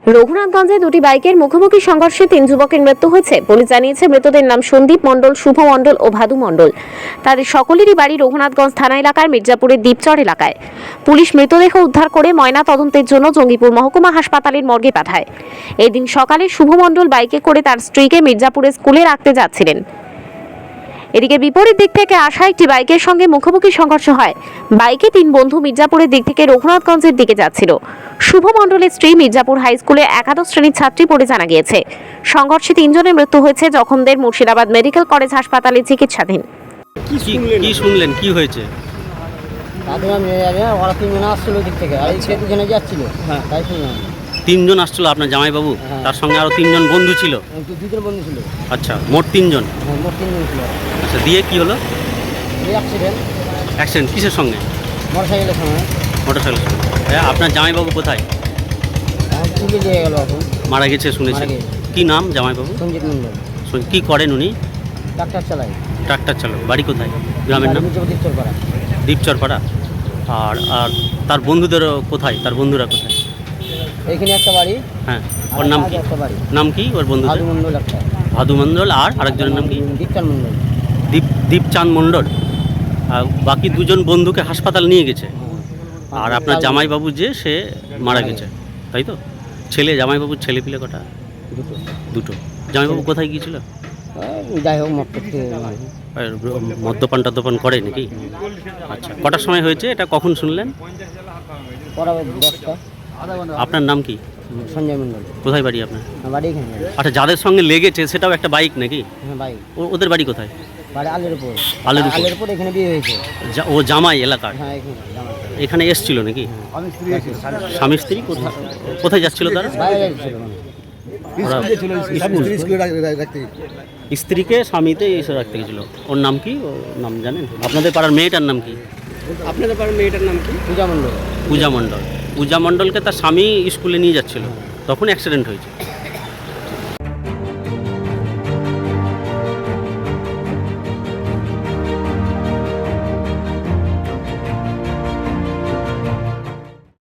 রঘুনাথগঞ্জে দুটি বাইকের মুখোমুখি সংঘর্ষে 3 যুবকের মৃত্যু হয়েছে। পুলিশ জানিয়েছে মৃতদের নাম সন্দীপ মণ্ডল, শুভ মণ্ডল ও ভাদু মণ্ডল। তাদের সকলেরই বাড়ি রঘুনাথগঞ্জ থানা এলাকার মির্জাপুরের দ্বীপচর এলাকায়। পুলিশ মৃতদেহ উদ্ধার করে ময়না তদন্তের জন্য জঙ্গিপুর মহকুমা হাসপাতালের মর্গে পাঠায়। এদিন সকালে শুভ মণ্ডল বাইকে করে তার স্ত্রীকে মির্জাপুরের স্কুলে রাখতে যাচ্ছিলেন। এদিকে বিপরীত দিক থেকে আসা একটি বাইকের সঙ্গে মুখোমুখি সংঘর্ষ হয়। বাইকে 3 বন্ধু মির্জাপুরের দিক থেকে রঘুনাথগঞ্জের দিকে যাচ্ছিল। শুভ মণ্ডলের স্ত্রী মির্জাপুর হাই স্কুলে একাদশ শ্রেণীর ছাত্রী বলে জানা গিয়েছে। সংঘর্ষে 3 জনের মৃত্যু হয়েছে। জখমদের মুর্শিদাবাদ মেডিকেল কলেজ হাসপাতালে চিকিৎসাধীন। কি শুনলেন কি হয়েছে? ওরা 3 জন আসছিল দিক থেকে, আর এই দুজনে যাচ্ছিল। হ্যাঁ। তাই শুনলাম 3 জন আসছিল আপনার জামাইবাবু? হ্যাঁ। তার সঙ্গে আরো 3 জন বন্ধু ছিল? দুজন বন্ধু ছিল। আচ্ছা, মোট 3 জন। হ্যাঁ, মোট 3 জন ছিল। আচ্ছা, দিয়ে কি হলো? এই অ্যাক্সিডেন্ট অ্যাক্সিডেন্ট কিসের সঙ্গে? মোটরসাইকেলের সঙ্গে। মোটরসাইকেলের সঙ্গে। আপনার জামাইবাবু কোথায়? তুলে দিয়ে গেল এখন। মারা গেছে শুনেছি। মারা গেছে। কি নাম জামাইবাবু? সঞ্জিত মণ্ডল। কি করেন উনি? ট্রাক্টর চালায়। ট্রাক্টর চালক। বাড়ি কোথায়? গ্রামের নাম? দ্বীপচর পাড়া। দ্বীপচরপাড়া। আর আর তার বন্ধুদেরও কোথায়? তার বন্ধুরা কোথায়? এইখানে একটা বাড়ি। হ্যাঁ, ওর নাম কি? একটা বাড়ি। নাম কি ওর বন্ধুদের? ভাদু মণ্ডল একটা। ভাদু মণ্ডল। আর আরেকজনের নাম কি? দীপচাঁদ মণ্ডল। দীপচাঁদ মণ্ডল। আর বাকি 2 জন বন্ধুকে হাসপাতাল নিয়ে গেছে। আর আপনার জামাইবাবু যে সে মারা গেছে, তাই তো? জামাইবাবুর ছেলে পিলে কটা? দুটো। জামাইবাবু কোথায় গিয়েছিল? যাই হোক মত করতে মদ্যপান টদ্যপান করে নাকি? আচ্ছা, কটার সময় হয়েছে এটা, কখন শুনলেন? পড়া 10টা। আপনার নাম কি? সঞ্জয় মণ্ডল। কোথায় বাড়ি আপনার? বাড়ি এখানে। আচ্ছা, যাদের সঙ্গে লেগেছে সেটাও একটা বাইক নাকি? হ্যাঁ, বাইক। ওদের বাড়ি কোথায়? বাড়ি আলের উপর। আলের উপর? আলের উপর এখানে বিয়ে হয়েছে। ও জামাই এলাকার? হ্যাঁ, এখানে জামাই। এখানে এসছিল নাকি? স্বামী স্ত্রী কোথায় যাচ্ছিল তারা? বাইরে যাচ্ছিল মানে। স্ত্রীকে স্বামীতে এসে রাখতে গেছিল। ওর নাম কি? ওর নাম জানেন? আপনাদের পাড়ার মেয়েটার নাম কি? আপনাদের পাড়ার মেয়েটার নাম কি? পূজা মণ্ডল। পূজা মণ্ডল। পূজা মণ্ডলকে তার স্বামী স্কুলে নিয়ে যাচ্ছিল, তখন অ্যাক্সিডেন্ট হয়েছে।